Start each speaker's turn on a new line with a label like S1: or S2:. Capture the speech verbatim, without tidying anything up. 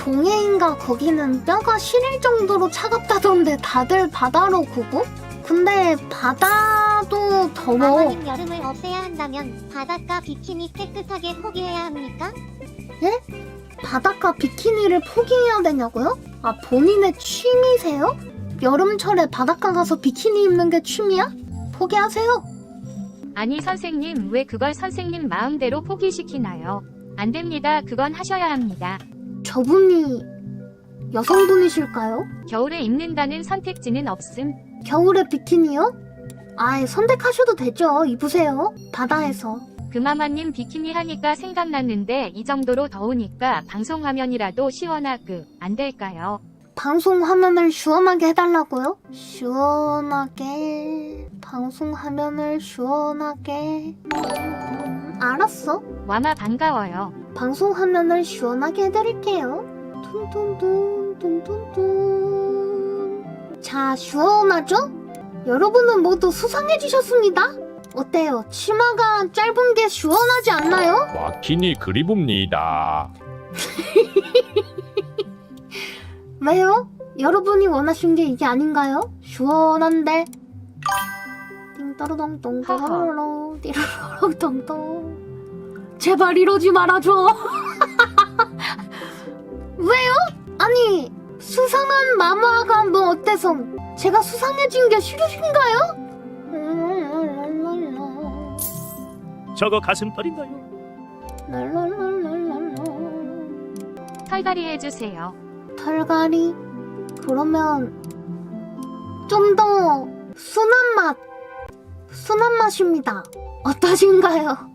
S1: 동해인가 거기는 뼈가 시릴 정도로 차갑다던데 다들 바다로 구고? 근데 바다도 더워.
S2: 아버님 여름을 없애야 한다면 바닷가 비키니 깨끗하게 포기해야 합니까?
S1: 예? 바닷가 비키니를 포기해야 되냐고요? 아, 본인의 취미세요? 여름철에 바닷가 가서 비키니 입는 게 취미야? 포기하세요.
S3: 아니 선생님 왜 그걸 선생님 마음대로 포기시키나요? 안 됩니다. 그건 하셔야 합니다.
S1: 저분이 여성분이실까요?
S3: 겨울에 입는다는 선택지는 없음.
S1: 겨울에 비키니요? 아이, 선택하셔도 되죠. 입으세요. 바다에서.
S3: 금마마님 비키니 하니까 생각났는데 이 정도로 더우니까 방송 화면이라도 시원하게 안 될까요?
S1: 방송 화면을 시원하게 해달라고요? 시원하게. 방송 화면을 시원하게. 음, 알았어.
S3: 와마 반가워요.
S1: 방송 화면을 시원하게 해드릴게요. tuntuntun, tuntuntun. 자, 시원하죠? 여러분은 모두 수상해지셨습니다. 어때요? 치마가 짧은 게 시원하지 않나요?
S4: 와키니 그리봅니다.
S1: 왜요? 여러분이 원하신 게 이게 아닌가요? 시원한데. 띵따르동동 따라로 띠르르동동. 제발 이러지 말아줘. 왜요? 아니, 수상한 마마가 뭐 어때서? 제가 수상해진 게 싫으신가요?
S5: 저거 가슴털인가요?
S1: 랄랄랄랄랄라.
S3: 털갈이 해주세요.
S1: 털갈이? 그러면 좀 더 순한 맛, 순한 맛입니다. 어떠신가요?